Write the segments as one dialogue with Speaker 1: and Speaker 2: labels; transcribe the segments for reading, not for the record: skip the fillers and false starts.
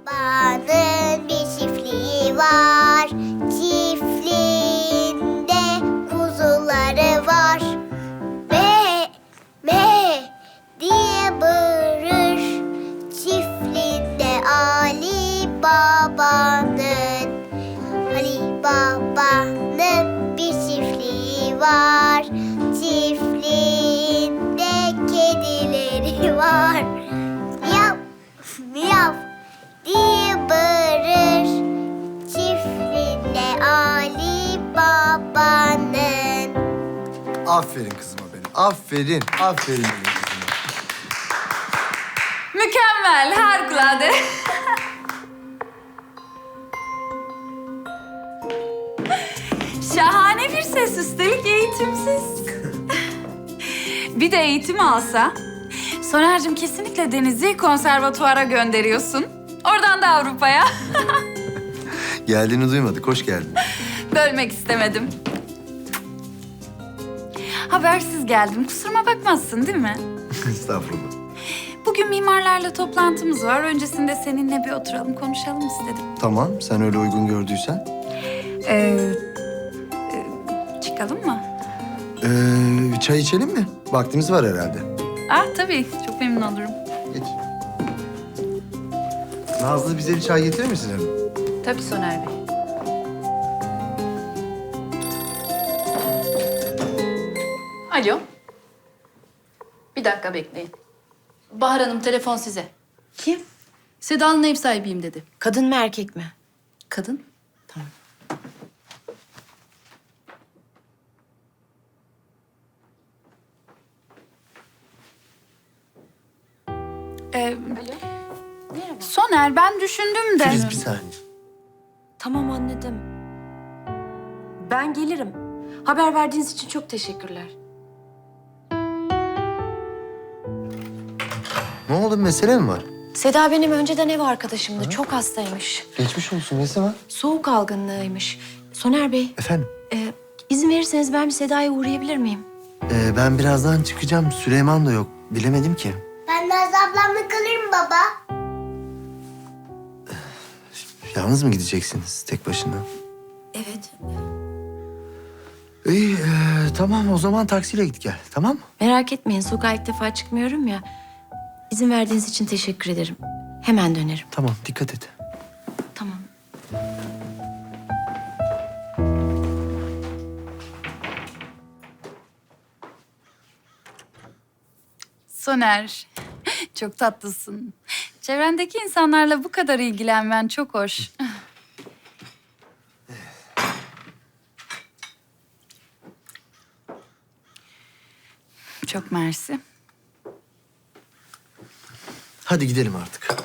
Speaker 1: Babanın bir çiftliği var. Çiftliğinde kuzuları var. Me me diye bağırır. Çiftliğinde Ali Baba'nın bir çiftliği var. Çiftliğinde kedileri var. Miyav miyav diye bağırır. Çiftliğinde Ali Baba'nın.
Speaker 2: Aferin kızıma benim. Aferin. Aferin benim kızıma.
Speaker 3: Mükemmel, harikulade. Şahane bir ses, üstelik eğitimsiz. Bir de eğitim alsa, Soner'cim kesinlikle Deniz'i konservatuvara gönderiyorsun. Oradan da Avrupa'ya.
Speaker 2: Geldiğini duymadık. Hoş geldin.
Speaker 3: Bölmek istemedim. Habersiz geldim, kusuruma bakmazsın değil mi?
Speaker 2: Estağfurullah.
Speaker 3: Bugün mimarlarla toplantımız var. Öncesinde seninle bir oturalım, konuşalım istedim.
Speaker 2: Tamam. Sen öyle uygun gördüysen.
Speaker 3: Çıkalım mı?
Speaker 2: Bir çay içelim mi? Vaktimiz var herhalde.
Speaker 3: Ah tabii, çok memnun olurum.
Speaker 2: Geç. Nazlı bize bir çay getirir misin hanım?
Speaker 3: Tabii Soner Bey.
Speaker 4: Alo. Bir dakika bekleyin. Bahar Hanım telefon size.
Speaker 5: Kim?
Speaker 4: Seda'nın ev sahibiyim dedi.
Speaker 5: Kadın mı erkek mi?
Speaker 4: Kadın.
Speaker 5: Tamam.
Speaker 3: Soner, ben düşündüm de...
Speaker 2: Filiz bir saniye.
Speaker 5: Tamam anladım. Ben gelirim. Haber verdiğiniz için çok teşekkürler.
Speaker 2: Ne oldu? Bir mesele mi var?
Speaker 5: Seda benim önceden ev arkadaşımdı. Çok hastaymış.
Speaker 2: Geçmiş olsun. Nesi var?
Speaker 5: Soğuk algınlığıymış. Soner Bey,
Speaker 2: Efendim?
Speaker 5: izin verirseniz ben bir Seda'ya uğrayabilir miyim?
Speaker 2: Ben birazdan çıkacağım. Süleyman da yok. Bilemedim ki.
Speaker 1: Ben Nazlı ablamla kalırım baba.
Speaker 2: Yalnız mı gideceksiniz tek başına?
Speaker 5: Evet.
Speaker 2: İyi, tamam o zaman taksiyle git gel. Tamam mı?
Speaker 5: Merak etmeyin, sokağa ilk defa çıkmıyorum ya. İzin verdiğiniz için teşekkür ederim. Hemen dönerim.
Speaker 2: Tamam, dikkat et.
Speaker 5: Tamam.
Speaker 3: Soner, çok tatlısın. Çevrendeki insanlarla bu kadar ilgilenmen çok hoş. Çok mersi.
Speaker 2: Hadi gidelim artık.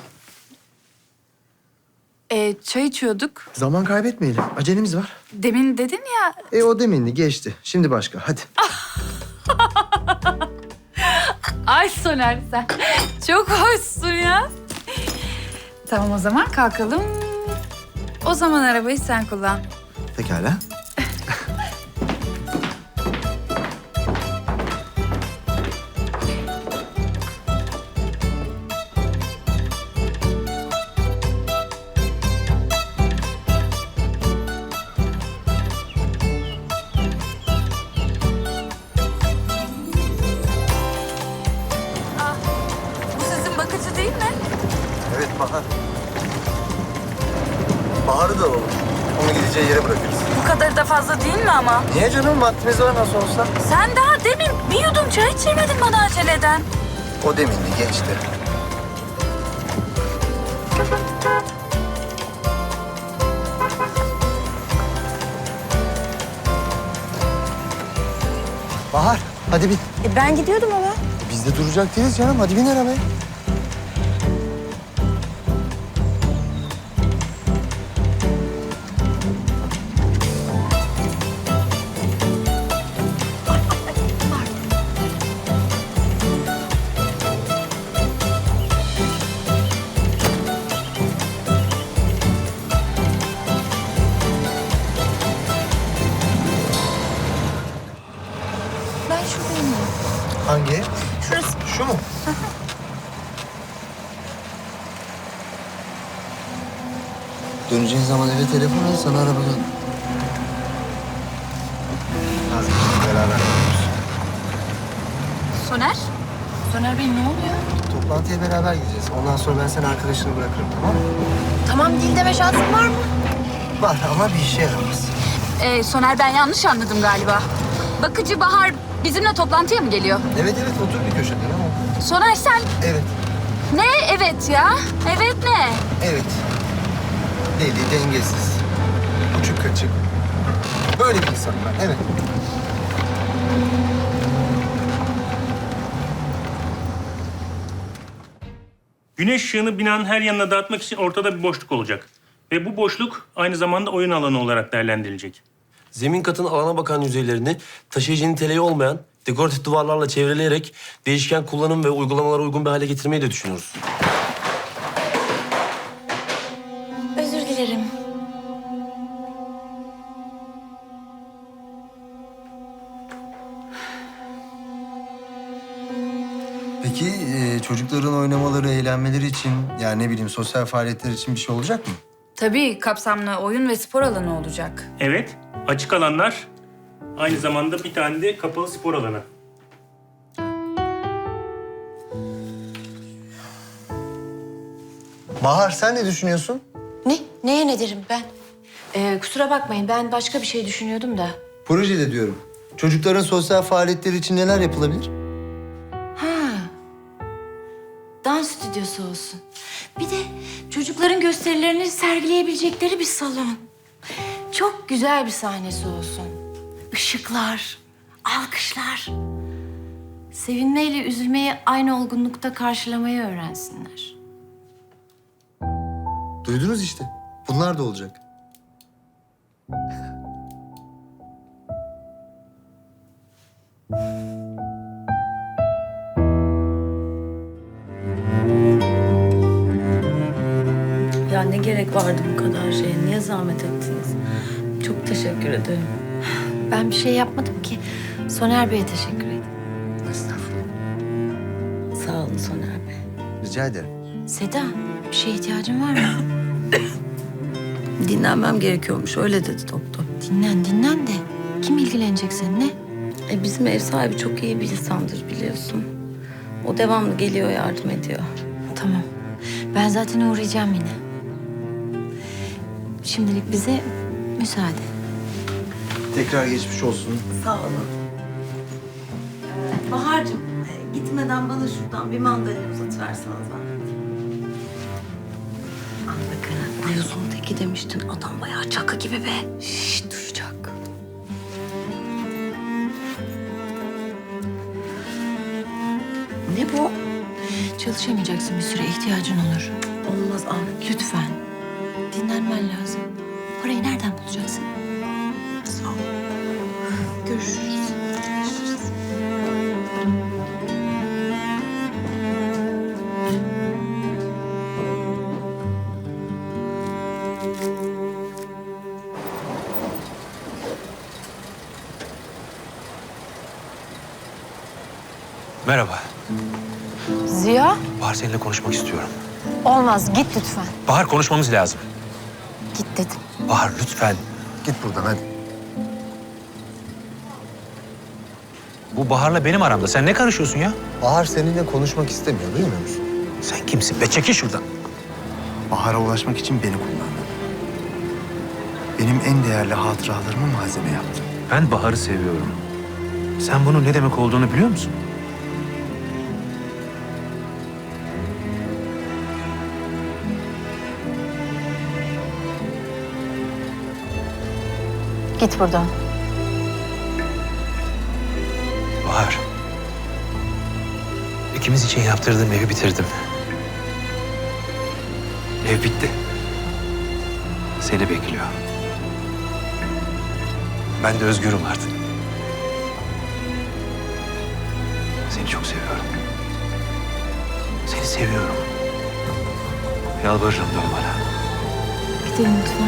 Speaker 3: Çay içiyorduk.
Speaker 2: Zaman kaybetmeyelim. Acelemiz var.
Speaker 3: Demin dedin ya...
Speaker 2: O deminli geçti. Şimdi başka. Hadi.
Speaker 3: Ay Soner sen çok hoşsun ya. Tamam o zaman kalkalım. O zaman arabayı sen kullan.
Speaker 2: Pekala.
Speaker 3: Bu sizin bakıcı değil mi?
Speaker 2: Evet Bahar. Bahar'ı da alalım. Onu gideceği yere bırakırız.
Speaker 3: Bu kadar da fazla değil mi ama?
Speaker 2: Niye canım? Vaktimiz var nasıl olsa.
Speaker 3: Sen daha demin bir yudum çay içirmedin bana aceleden.
Speaker 2: O deminli geçti. Bahar, hadi bin.
Speaker 5: Ben gidiyordum ama.
Speaker 2: Biz de duracak değiliz canım. Hadi bin arabaya.
Speaker 5: Ben şuradayım.
Speaker 2: Hangi?
Speaker 5: Şurası.
Speaker 2: Şu mu? Döneceğin zaman eve telefon al, sana arabadan. Nazlı, beraber gidiyoruz.
Speaker 3: Soner?
Speaker 4: Soner Bey ne oluyor?
Speaker 2: Toplantıya beraber gideceğiz. Ondan sonra ben seni arkadaşına bırakırım, tamam mı?
Speaker 5: Tamam, dil deme şansın var mı?
Speaker 2: Var ama bir işe yaramaz.
Speaker 3: Soner, ben yanlış anladım galiba. Bakıcı Bahar bizimle toplantıya mı geliyor?
Speaker 2: Evet, otur bir köşede, ama.
Speaker 3: Soner sen...
Speaker 2: Evet,
Speaker 3: Ne evet ya? Evet ne?
Speaker 2: evet. Deli, dengesiz. Uçuk kaçık. Böyle bir insanım ben, evet.
Speaker 6: Güneş ışığını binanın her yanına dağıtmak için ortada bir boşluk olacak. Ve bu boşluk aynı zamanda oyun alanı olarak değerlendirilecek.
Speaker 7: Zemin katın alana bakan yüzeylerini taşıyıcı niteliği olmayan dekoratif duvarlarla çevreleyerek değişken kullanım ve uygulamalara uygun bir hale getirmeyi de düşünüyoruz.
Speaker 5: Özür dilerim.
Speaker 2: Peki çocukların oynamaları, eğlenmeleri için, yani ne bileyim sosyal faaliyetler için bir şey olacak mı?
Speaker 3: Tabii kapsamlı oyun ve spor alanı olacak.
Speaker 6: Evet, açık alanlar, aynı zamanda bir tane de kapalı spor alanı.
Speaker 2: Bahar, sen ne düşünüyorsun?
Speaker 5: Ne? Neye ne derim ben? Kusura bakmayın, ben başka bir şey düşünüyordum da.
Speaker 2: Projede diyorum. Çocukların sosyal faaliyetleri için neler yapılabilir?
Speaker 5: Dans stüdyosu olsun. Bir de çocukların gösterilerini sergileyebilecekleri bir salon. Çok güzel bir sahnesi olsun. Işıklar, alkışlar. Sevinmeyle üzülmeyi aynı olgunlukta karşılamayı öğrensinler.
Speaker 2: Duydunuz işte. Bunlar da olacak.
Speaker 8: Ya ne gerek vardı bu kadar şeye? Niye zahmet ettiniz? Çok teşekkür ederim.
Speaker 5: Ben bir şey yapmadım ki. Soner Bey'e teşekkür ederim.
Speaker 2: Estağfurullah.
Speaker 8: Sağ olun Soner Bey.
Speaker 2: Rica ederim.
Speaker 5: Seda, bir şeye ihtiyacın var mı?
Speaker 8: Dinlenmem gerekiyormuş. Öyle dedi doktor.
Speaker 5: Dinlen de. Kim ilgilenecek seninle?
Speaker 8: Bizim ev sahibi çok iyi bir insandır biliyorsun. O devamlı geliyor, yardım ediyor.
Speaker 5: Tamam. Ben zaten uğrayacağım yine. Şimdilik bize müsaade.
Speaker 2: Tekrar geçmiş olsun.
Speaker 8: Sağ olun. Bahar'cığım gitmeden bana şuradan bir mandalina uzatıversene zahmet. Al bakalım. Ayozun teki demiştin. Adam bayağı çakı gibi be. Şşş duyacak.
Speaker 5: Ne bu? Çalışamayacaksın bir süre, ihtiyacın olur.
Speaker 8: Olmaz al.
Speaker 5: Lütfen. Dinlenmen lazım. Parayı nereden bulacaksın?
Speaker 8: Sağ ol. Görüşürüz.
Speaker 9: Merhaba.
Speaker 1: Ziya,
Speaker 9: Bahar seninle konuşmak istiyorum.
Speaker 1: olmaz. Git lütfen.
Speaker 9: Bahar konuşmamız lazım.
Speaker 1: Git dedim.
Speaker 9: Bahar lütfen.
Speaker 2: Git buradan hadi.
Speaker 9: Bu Bahar'la benim aramda. Sen ne karışıyorsun ya?
Speaker 2: Bahar seninle konuşmak istemiyor, duymuyor musun?
Speaker 9: Sen kimsin be? Çekil şuradan.
Speaker 2: Bahar'a ulaşmak için beni kullandı. Benim en değerli hatıralarımı malzeme yaptı.
Speaker 9: Ben Bahar'ı seviyorum. Sen bunun ne demek olduğunu biliyor musun?
Speaker 1: Git buradan.
Speaker 9: Bahar. İkimiz için yaptırdığım evi bitirdim. Ev bitti. Seni bekliyor. Ben de özgürüm artık. Seni çok seviyorum. Seni seviyorum. Yalvarırım dön bana.
Speaker 5: Gidelim lütfen.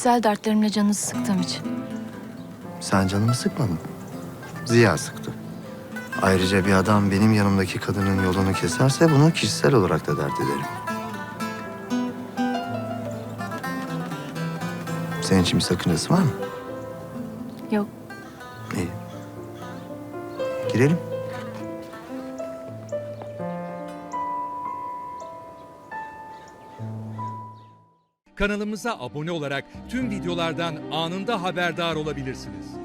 Speaker 5: kişisel dertlerimle canınızı sıktığım için.
Speaker 2: Sen canımı sıkmadın. Ziya sıktı. Ayrıca bir adam benim yanımdaki kadının yolunu keserse bunu kişisel olarak da dert ederim. Senin için bir sakıncası var mı?
Speaker 5: Yok.
Speaker 2: İyi. Girelim.
Speaker 10: Kanalımıza abone olarak tüm videolardan anında haberdar olabilirsiniz.